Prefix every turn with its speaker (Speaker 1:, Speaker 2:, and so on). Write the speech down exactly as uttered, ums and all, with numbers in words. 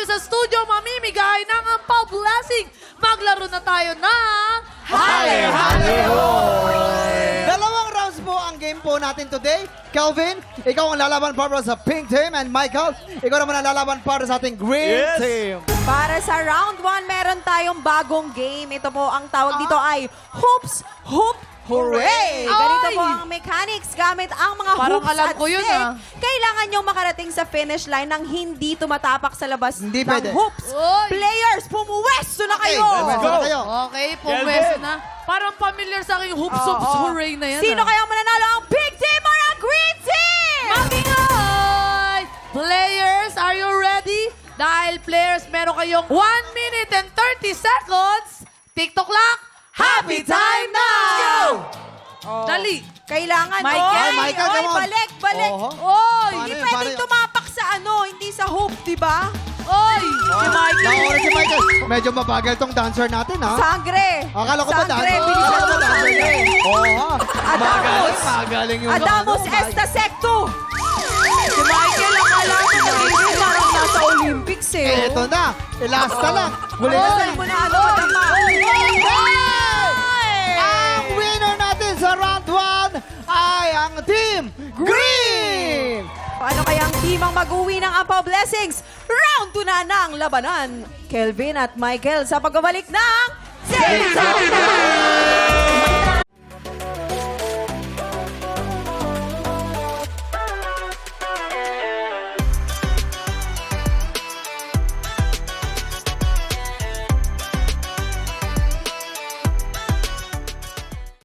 Speaker 1: sa studio mamimigay ng Ampaw Blessing. Maglaro na tayo ng...
Speaker 2: Hale, hale, Dalawang rounds po ang game po natin today. Kelvin, ikaw ang lalaban para sa pink team. And Michael, ikaw naman ang lalaban para sa ating green
Speaker 3: Yes.
Speaker 2: team.
Speaker 4: Para sa round one, meron tayong bagong game. Ito po, ang tawag dito ay Hoops Hoop Hooray!
Speaker 1: Ay!
Speaker 4: Ganito po ang mechanics gamit ang mga
Speaker 1: Parang
Speaker 4: hoops
Speaker 1: alam
Speaker 4: at
Speaker 1: ko yun,
Speaker 4: stick.
Speaker 1: ah.
Speaker 4: Kailangan nyong makarating sa finish line nang hindi tumatapak sa labas
Speaker 2: Hindi
Speaker 4: ng
Speaker 2: pwede.
Speaker 4: hoops.
Speaker 1: Oy!
Speaker 4: Players, pumuwesto na
Speaker 2: Okay,
Speaker 4: kayo!
Speaker 2: pumuwesto na kayo.
Speaker 1: Okay,
Speaker 3: Kelvin.
Speaker 1: pumweso na. Parang familiar sa akin yung hoops, hoops,
Speaker 4: Oo.
Speaker 1: hooray na yan.
Speaker 4: Sino
Speaker 1: ah.
Speaker 4: kaya mananalo, ang pink team or ang green team?
Speaker 1: Magingay! Players, are you ready? Dahil players, meron kayong one minute and thirty seconds. TikTok clock, happy time now!
Speaker 4: Oh.
Speaker 1: Dali!
Speaker 4: Kailangan,
Speaker 1: Michael.
Speaker 4: oy,
Speaker 2: Michael,
Speaker 4: oy,
Speaker 2: come on.
Speaker 4: balik, balik.
Speaker 2: Oho.
Speaker 4: Oy,
Speaker 2: Paano
Speaker 4: hindi
Speaker 2: yun?
Speaker 4: pwedeng
Speaker 2: Paano yun?
Speaker 4: tumapak sa ano, hindi sa hoop, di ba?
Speaker 1: Oy! Si Michael!
Speaker 2: Nakuha si Michael. Medyo mabagal tong dancer natin, ha?
Speaker 4: Sangre.
Speaker 2: Akala ko ba
Speaker 4: Sangre,
Speaker 2: dancer?
Speaker 4: bilisan
Speaker 2: Akala ko
Speaker 4: mo
Speaker 2: ba dancer
Speaker 4: sangre.
Speaker 2: yun? Oo, ha?
Speaker 4: Adamos.
Speaker 2: Magaling, magaling yung
Speaker 4: Adamos
Speaker 2: ano,
Speaker 4: Esta Secto. Si Michael, akala ko nagiging parang nasa Olympics eh.
Speaker 2: Eto na. Ilasta lang. Huli na
Speaker 4: Oy,
Speaker 2: na.
Speaker 4: mo na ano, madama.
Speaker 2: Ang winner natin sa round one ay ang team Green!
Speaker 4: Paano kaya ang team ang mag-uwi ng Ampaw Blessings? Round two na ng labanan. Kelvin at Michael sa pagbabalik ng... Zero!